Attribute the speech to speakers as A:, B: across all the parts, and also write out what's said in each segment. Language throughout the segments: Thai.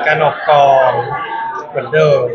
A: การออกกองเหมือนเดิม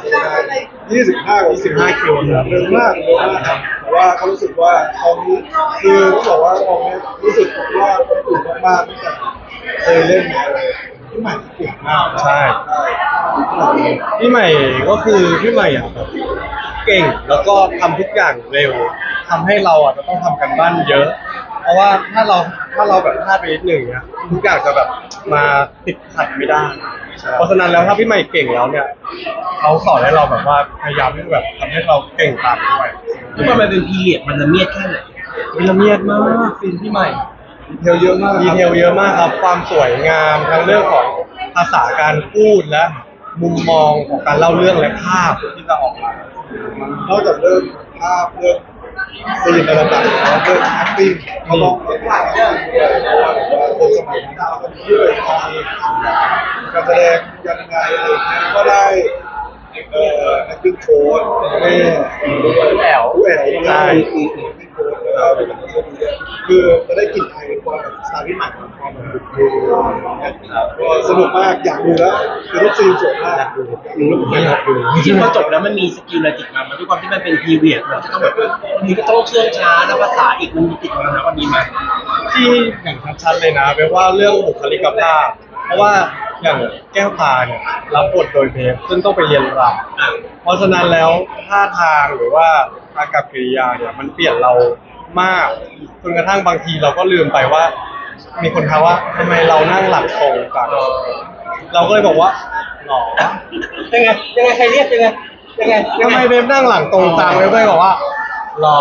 B: 25 คิวครับ
A: เร็วมาก
B: ครับแต่ว่าเขารู้สึกว่าตอนนี้คือต้องบอกว่าตอนนี้รู้สึกว่าอุ่นมากๆตั้งแต่เคยเล่นที่ใหม่เก่งมาก
A: ใช่พี่ใหม่ก็คือพี่ใหม่อ่ะแบบเก่งแล้วก็ทำทุกอย่างเร็วทำให้เราอ่ะจะต้องทำกันบ้านเยอะ เพราะว่าถ้าเราแบบพลาดไปนิดหนึ่งเนี้ยทุกอย่างจะแบบมาติดขัดไม่ได้ เพราะฉะนั้นแล้วถ้าพี่ใหม่เก่งแล้วเนี่ยเขาสอนให้เราแบบว่าพยายามที่แบบทำให้เราเก่งตามด้วย
C: ทุกคนมันเป็นพีเรียดมันละเมียดแค่ไหน
A: วิละเมียดมากซีนพี่ใหม่
B: เทลเยอะมาก
A: ดีเทลเยอะมากครับความสวยงามทั้งเรื่องของภาษาการพูดและมุมมองของการเล่าเรื่องและภาพที่จะออกมาน
B: อกจากเรื่องภาพเรื่องซีนอะไรต่างๆแล้วเรื่อง acting เขาลองเล่นหลายอย่างด้วยเพราะว่าคนสมัยนี้เราก็มีด้วยมีการแสดงยังไงอะไรอย่างเงี้ยก็ได้acting coach แม่ด้วยแอลใช่ acting coach แล้วก็เป็นคนช่วยดูด้วยคือจะได้กลิ่นไอความแบบสไตล์ที่ใหม่ของความแบบก็สนุกมากอยากดูแล้วคือทุกซีนสวยมากอยากดูแล้วผมอยากดู
C: จริงๆพอจบแล้วมันมีสกิลอะไรติดมามันด้วยความที่มันเป็นพีเรียดมันจะต้องแบบมีก็ต้องเชื่องช้าแล้วภาษาอีกมันมีติดมานะวันนี้ไหม
A: ที่อย่างชัดๆเลยนะแปลว่าเรื่องบุคลิกภาพเพราะว่าอย่างแก้วตาเนี่ยรับบทโดยเบฟซึ่งต้องไปเรียนรำเพราะฉะนั้นแล้วท่าทางหรือว่าอากับกิริยาเนี่ยมันเปลี่ยนเรามากจนกระทั่งบางทีเราก็ลืมไปว่า มีคนถามว่าทำไมเรานั่งหลังตรงจังเราก็เลยบอกว่าหรอ
C: ยังไงใครเรียกยังไง
A: ทำไมเบฟนั่งหลังตรงจังเบฟก็เลยบอกว่าหรอ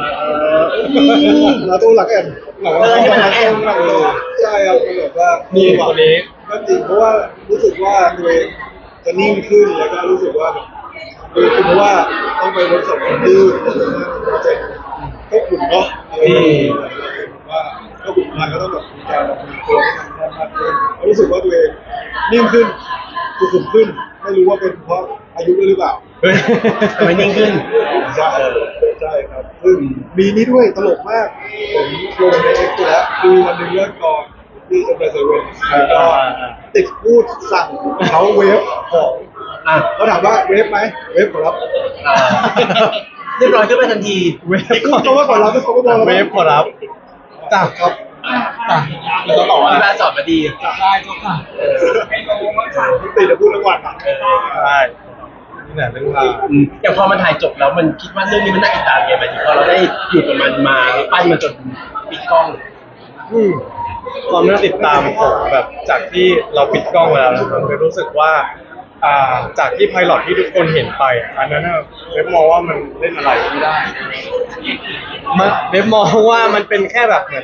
B: เราต้องหลักแอน
C: นี่มันหลักแอน
B: ใช่ครับคือแบบว่า
A: นี่คนนี้
B: ก็จริงเพราะว่ารู้สึกว่าตัวเองจะนิ่งขึ้นแล้วก็รู้สึกว่าแบบคือเพราะว่าต้องไปเวิร์กช็อปกันดื้อโปรเจกต์ก็ขุ่นเนาะอะไรอย่างเงี้ยว่าก็ขุ่นมาก็ต้องแบบมีการมีตัวให้มันแน่นมากขึ้นรู้สึกว่าตัวเองนิ่งขึ้นสุขุมขึ้นไม่รู้ว่าเป็นเพราะอายุด้วยหรือเปล่า
A: เฮ้ย
C: ทำไมนิ่งขึ้น
B: ใช่ใช่ครับซึ่งมีนี้ด้วยตลกมากผมลงในเอ็กซ์แล้วคือวันหนึ่งเลิกกองที่เซนเตอร์เซเว่นแล้วก็ติดพูดสั่งเขาเวฟของ
C: อ่ะ
B: เขาถามว่าเวฟไหมเวฟขอรับ
C: เรียบร้อยขึ้นมาทันที
A: เวฟ
B: พูดเขาว่าขอรับเขาก็บอก
A: เวฟขอรับจ้าครับจ้าแล้วก็บอกว่า
C: ที่บ้านสอนมาดี
A: ได้เจ้าค่ะ
B: ติดจะพูดทั้งวันอ่ะ
A: ใช่นี่แหละเรื่องราว
C: อย่างพอมันถ่ายจบแล้วมันคิดว่าเรื่องนี้มันน่าติดตามไงหมายถึงพอเราได้อยู่กับมันมาปั้นมันจนปิดกล้อง
A: ความน่าติดตามของแบบจากที่เราปิดกล้องไปแล้วนะครับเลยรู้สึกว่าจากที่ไพลอตที่ทุกคนเห็นไปอันนั้นน่ะเว็บมองว่ามันเล่นอะไรไม่ได้เว็บมองว่ามันเป็นแค่แบบเหมือน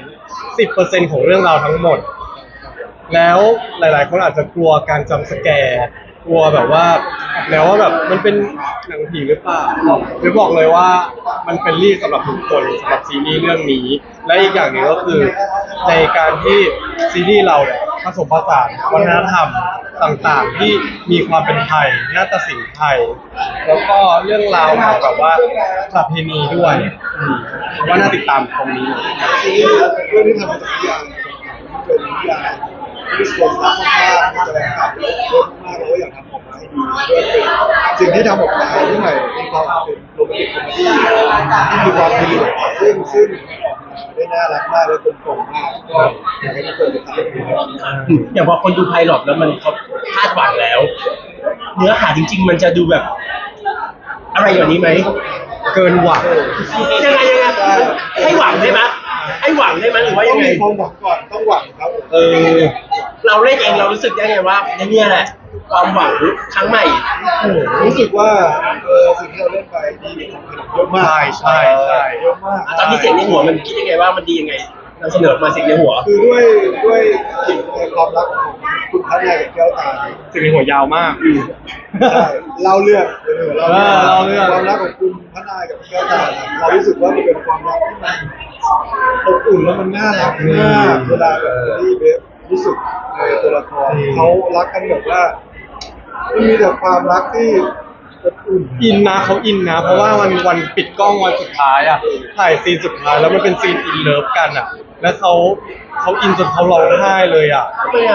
A: 10%ของเรื่องราวทั้งหมด แล้วหลายๆคนอาจจะกลัวการจำสแกร์กลัวแบบว่าแล้วว่าแบบมันเป็นหนังผีหรือเปล่าหรือบอกเลยว่ามันเป็นรีสำหรับทุกคนสำหรับซีรีส์เรื่องนี้ และอีกอย่างหนึ่งก็คือในการที่ซีรีส์เราเนี่ยผสมผสานวัฒนธรรมต่างๆ ที่มีความเป็นไทยนาฏศิลป์ไทย แล้วก็เรื่องราวของแบบว่าประเพณีด้วยว่าน่าติดตามตรงนี้
B: ซีรีส์เรื่องนี้ทำมาจากนิยายเป็นนิยายที่สวยมากมากแสดงครับเยอะมากเราก็อยากทำออกมาให้ดีด้วยเป็นสิ่งที่ทำออกมาที่ใหม่มีความเป็นโรแมนติกคอมเมดี้ที่มีความพิเศษซึ่งออกมาได้น่ารักมากและกลมกล่อมมากก็อยากให้ทุกคนติดตามดูครับ
C: อย่างพอคนดูไพลอตแล้วมันเขาคาดหวังแล้ว เนื้อหาจริง ๆ มันจะดูแบบ อะไรอย่างนี้ไหม
A: เกินหวัง
C: ยังไงให้หวังได้ไหมให้หวังได้ไหมหรือว่า
B: ต้
C: ยั
B: อง
C: งไง
B: มีความหวังก่อนต้องหวังครับ
C: เราเล่นเองเรารู้สึกยังไงว่าเนี่ยแหละ ความหวังครั้งใหม่
B: รู้สึกว่าสิ่งที่เราเล่นไปดีเยอะมาก
A: ใช่
B: เยอะมาก
C: ตอนนี้เสียงในหัวมันคิดยังไงว่ามันดียังไงนำเสนอมาเสียงในหัว
B: คือด้วยกลิ่นในความรักของคุณพระนายกับแก้วตา
A: จะมีหัวยาวมาก
B: ใช่เล่าเรื่องเล่า
A: เล่าเรื่อง
B: ความรักของคุณพระนายกับแก้วตาเรารู้สึกว่ามันเป็นความรักที่มันอบอุ่นแล้วมันน่ารักมากเวลาแบบที่เบฟรู้สึกในตัวละครเขารักกันแบบว่ามันมีแต่ความรักที่อบอุ่น
A: อินนะเขาอินนะ เพราะว่าวันปิดกล้องวันสุดท้ายอ่ะถ่ายซีนสุดท้ายแล้วมันเป็นซีนอินเลิฟกันอ่ะ แล้วเขาอินจนเขาร้องไห้เลยอ่ะ
C: ทำไมอ่ะ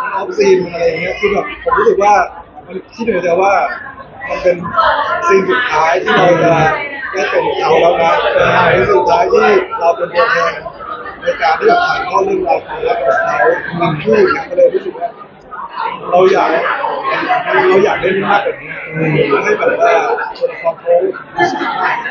B: ออฟซีนมันอะไรอย่างเงี้ยคือแบบผมรู้สึกว่ามันคิดเหมือนกันว่ามันเป็นซีนสุดท้ายที่เราจะได้เป็นเขาแล้วนะเป็นสุดท้ายที่เราเป็นตัวแทนในการที่จะถ่ายทอดเรื่องราวความรักของเขาบางคู่เนี่ยก็เลยรู้สึกว่าเราอยากเล่นมากกว่านี้ให้แบบว่าตัวละครเขามีชีวิตมาก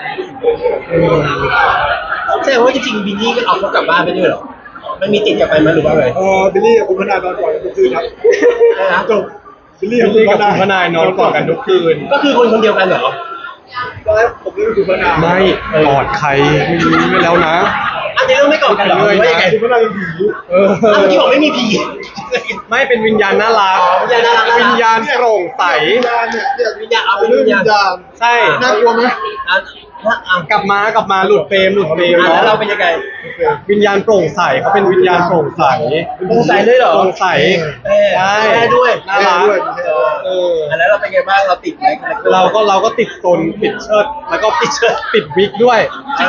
C: แสดงว่าจริงๆบินนี่ก็เอาเขากลับบ้านไปด้วยเหรอมันมีติดกลับไปไหมหรือว่าไง
B: บิลลี่กับคุณพนายนอนก่อนกันทุกคืนครับ
C: อะไรนะ
B: จบบิลลี่
A: พี่กับคุณพนายนอนกอดกันทุกคืน
C: ก็คือคนเดียวกันเหรอ
B: ตอนแรกผมเล่นเป็นคุณพนาย
A: ไม่กอดใครไม่รู้ไม่แล้วนะ
C: อันนี้เรื่องไม่ก่อนกันเหรอหรือว่ายังไง
B: คุณพนายเป็นผี
C: อ้าวเมื่อกี้บอกไม่มีผี
A: ไม่เป็นวิญญาณน่ารัก
C: วิญญาณน่ารัก
A: วิญญาณโปร่งใส
B: วิญญาณเนี่ย
C: วิญญาณเอา
B: เป็
C: เป็น น
B: เรื่อง
C: วิญ
B: วิ
C: ญาณ
B: ญญาณ
A: ใช่
B: น่ากลัวไหม
C: อ่ะอ่ะ
A: กลับมาหลุดเฟรม
C: แล้วเราเป็นยังไง
A: วิญญาณโปร่งใสเขาเป็นวิญญาณโปร่งใส
C: โปร่งใสเลยเหรอ
A: โปร่งใส ใช่
C: แม่ด้วย
A: น่ารักเออ
C: แล้วเราเป็นไงบ้างเราติดไหม
A: เราก็ติดตนติดเชิดแล้วก็ติดวิกด้วย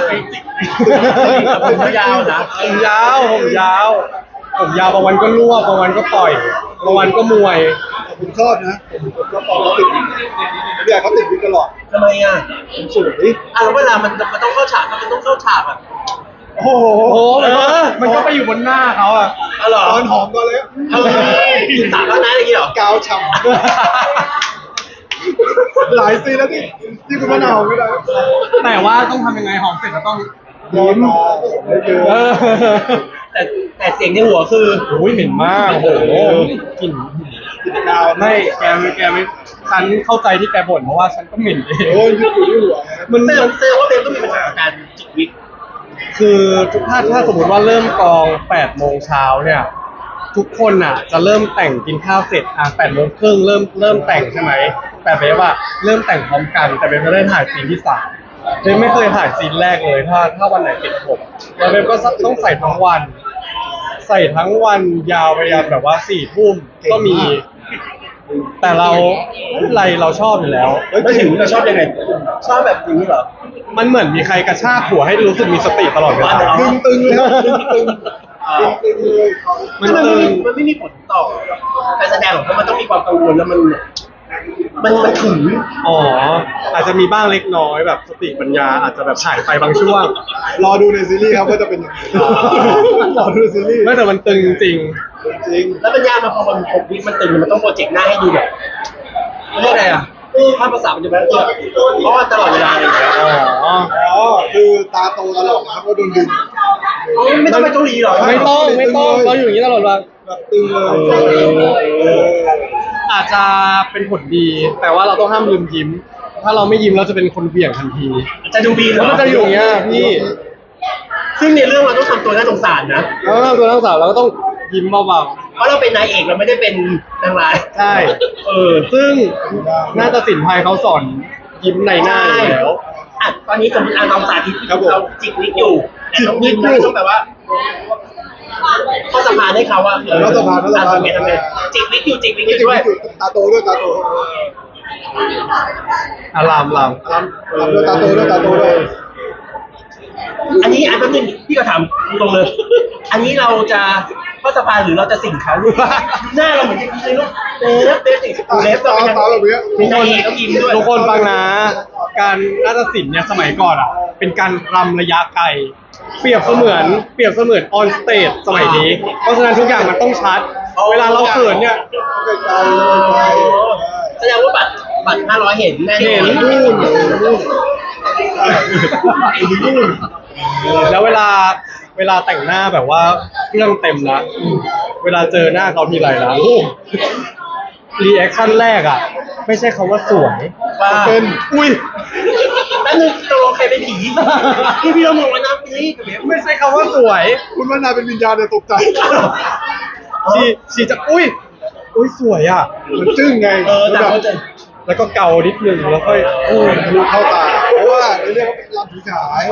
C: ผมยาวนะ
A: ผมยาวบางวันก็รวบบางวันก็ปล่อยบางวันก็มวย
B: ผมชอบนะผมชอบตอนเขาติดวิกผมอยากเขาติดวิกตลอด
C: ทำไมอ่ะ
B: ผมสวย
C: แล้วเวลามันต้องเข้าฉากมันต้องเข้าฉากอ่ะ
B: โอ้โห
A: โอ้มันก็ไปอยู่บนหน้าเขาอะ
C: อ๋อเหรอ
B: ตอนหอมก่อนเลย
C: กินตับแล้วนะอย่างนี้เหรอก
B: าวฉ่ำหลายซีนแล้วที่คุณมะนาวไม่ได้
A: แต่ว่าต้องทำยังไงหอมเสร็จก็ต้อง
B: ยิ้มไม่เจอ
A: เออ
C: แต่เสียงในหัวคือ
A: โอ้ยเหม็นมากโอ้โหกลิ่น
B: ติดกาว
A: ไม่แกไม่ฉันเข้าใจที่แกบ่นเพราะว่าฉันก็เหม็นเอง
B: โอ้ยยึดอยู่ที่หัว
C: มันเซลว่าเบลก็มีปัญหากับการจิกวิก
A: คือถ้าสมมติว่าเริ่มกอง8โมงเช้าเนี่ยทุกคนอ่ะจะเริ่มแต่งกินข้าวเสร็จ8โมงครึ่งเริ่มแต่งใช่ไหมแต่เบฟว่าเริ่มแต่งพร้อมกันแต่เบฟไม่ได้ถ่ายซีนที่3เบฟไม่เคยถ่ายซีนแรกเลยถ้าวันไหนติดผมแล้วเบฟก็ต้องใส่ทั้งวัน ใส่ทั้งวันยาวไปยันแบบว่า4 ทุ่มก็มี แต่เราไม่เป็นไรเราชอบอยู่แล้ว
C: ไม่ถึงเราชอบยังไง ชอบแบบอย่างนี้เหรอ
A: มันเหมือนมีใครกระชากหัวให้รู้สึกมีสติตลอดเวลา
B: ตึงเลยตึงเลย
A: มันตึง
C: มันไม่มีผลต่อการแสดงหรอกเพราะมันต้องมีความกังวลแล้วมันถึง
A: อ๋ออาจจะมีบ้างเล็กน้อยแบบสติปัญญาอาจจะแบบหายไปบางช่วง
B: รอดูในซีรีส์ครับว่าจะเป็นยังไงรอดูในซีรีส์
A: ไม่แต่มันตึงจริง
B: จริง
C: แล้วมันยากมาพอมัน6 วิมันตึงมันต้องโปรเจกต์หน้าให้ดูแบบเรียกอะไรอ่ะภาพภาษาปัจจุบันเพราะว่าตลอดเวลาเลย
A: ๆอ๋อ
B: อ๋อคือตาโตตลอดนะครับว่าโดนดึง
C: ไม่ต้องไปเกาหลีหรอ
A: ไม่ต้องเราอยู่อย่างนี้ตลอดเวลา
B: แบบตึงเลย
A: อาจจะเป็นผลดี แต่ว่าเราต้องห้ามลืมยิ้ม ถ้าเราไม่ยิ้มเราจะเป็นคนเบี่ยงทันที
C: จะดูบีน
A: แล้วมันจะอยู่อย่างเงี้ยพี่
C: ซึ่งในเรื่องเราต้องทำตัวน่าสงสารนะ
A: แล้วตัวนักศึกษาเราก็ต้องยิ้มเบา
C: เพราะเราเป็นนายเอกเราไม่ได้เป็นนางร้าย
A: ๆใช่ ซึ่ง
B: ได้
A: น่าจะสินไทยเขาสอนยิ้มในหน้าอยู่แล้ว
C: อ่ะตอนนี้สมมติเราสาธิต
B: ครับผม
C: เราจิกวิกอยู่แต่ต้องยิ้มแล้วต้องแบบว่าเข้าสะพานให้เขาว่า
B: เข้าสะพานเข้าสะพาน
C: ทำไงจิกวิกอยู่จิกวิกอ
B: ไม่
C: ยู่
B: จุด
C: ด้วย
B: ไม่จุดตาโตด้วยตาโต
A: อาราม
B: ด้วยตาโตด้วยตาโตด้วย
C: อันนี้อันนึงพี่ก็ถามตรงเลย อันนี้เราจะเข้าสะพานหรือเราจะสิ่งเขาหน้าเราเหมือนจะยิ้มเลยลูกเป๊ะสิเล็บเราเป็น
B: ตาแบบนี้
C: เป็นนายเอกต้องยิ้มด้วย
A: ทุกคนฟังนะ การนาฏศิลป์เนี่ยสมัยก่อนอ่ะ เป็นการรำระยะไกล เปรียบเสมือนออนสเตจสมัยนี้ เพราะฉะนั้นทุกอย่างมันต้องชัด เวลาเราเขินเนี่ย
B: ไกลๆไกล
C: แสดงว่าบัตร500เห็นแน่น
A: เห็
C: อน
A: น
B: นู่น
A: แล้วเวลาแต่งหน้าแบบว่าเครื่องเต็มแล้วเวลาเจอหน้าเขาทีไรนะรีแอคชั่นแรกอ่ะ ไม่ใช่คำว่าสวย
C: ว่า
B: เป็น
A: อุ้ย
C: แล้วนึงตกลงใครเป็นผีพี่เรามองว่าน้ำเป็นนี่
A: ไม่ใช่คำว่าสวย
B: คุณว่านาเป็นวิญญาณเนี่ยตกใจ
A: ชีจะอุ้ยสวยอ่ะ
B: มันจึ้งไง
C: แต่เขาจะ
A: แล้วก็เกานิดนึงแล้วค่อย
B: ทะลุเข้าตา เพราะว่าในเรื่องเขาเป็นลำผีฉาย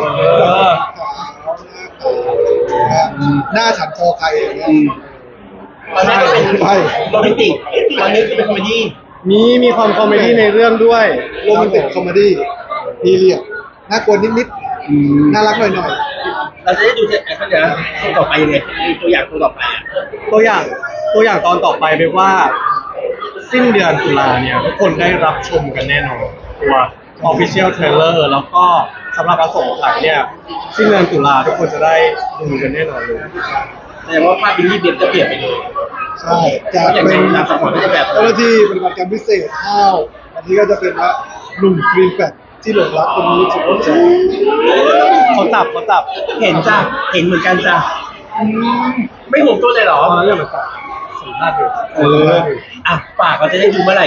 B: หน้าฉันคอใครอย่างเงี้ย
C: ตอนแรกก็เป็น
B: ไป
C: โรแมนติกตอนนี้คือเป็นคอมเมดี้
A: มีความคอมเมดี้ในเรื่องด้วย
B: โรแมนติกคอมเมดี้พีเรียดน่ากลัวนิดๆน่ารักหน่อย
C: เราจะได้ดูจะเขาจะตัวต่อไปยังไงตัวอย่างตัวต่อไปอะ
A: ตัวอย่างตอนต่อไปเป็นว่าสิ้นเดือนตุลาเนี่ยทุกคนได้รับชมกันแน่นอนตัว Official Trailer แล้วก็สำหรับอสงไขยเนี่ยสิ้นเดือนตุลาทุกคนจะได้ดูกันแน่นอนเลย
C: แสดงว่าภาพบิลลี่เบียจะเปลี่ยนไปเลย
B: ใช่จาก
C: อย่าง
B: เป็
C: ไร
B: น
C: ตามสมองก็จะแบบ
B: เจ้าหน้าที่ปฏิบัติการพิเศษข้าวอันนี้ก็จะเป็นว่าหนุ่มกรีนแฟตที่หลงรักคนนี้สุดหัวใจ
A: เขาจับ
C: เห็นจ้ะเห็นเหมือนกันจ้ะไม่ห่วงตัวเลยเหรอ
A: ตอนนั้นเนี่ยมันจับสัมภาษณ์อยู่
C: อ่ะฝากเราจะได้ดูเมื่อไหร่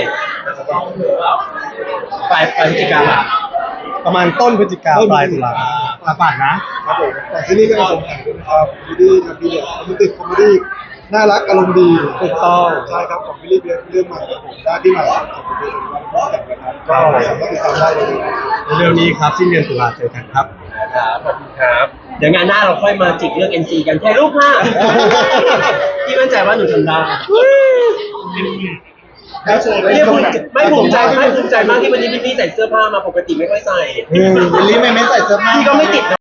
C: ปลายพฤศจิกา
A: ประมาณต้นพฤศจิกาปลายตุลาฝากนะ
B: ครับผมแต่ซีรีส์ก็ยังสงสัยด้วยนะครับซีรีส์กับพีเรียดโรแมนติกคอมเมดี้น่ารักอารมณ์ดี
A: ถูกต้อง
B: ใช่ครับของบิลลี่เบียร์เรื่องใหม่ครับผมได้ที่ใหม่ของผมเป็นวันแต่งนะครับก็สามารถติดตามได้เลย
A: เร็วๆนี้ครับสิ้นเดือนตุลาเจอกันครับ
C: ครับขอบคุณครับ เดี๋ยวงานหน้าเราค่อยมาจิกเรื่อง NC กันแค่รูปห้าพี่มั่นใจว่าหนูทำได้ไม่ภูมิใจมากที่วันนี้พี่ใส่เสื้อผ้ามาปกติไม่ค่อยใส่
B: บิลลี่ไม่ใส่เสื้อผ้า
C: พี่ก็ไม่ติดนะ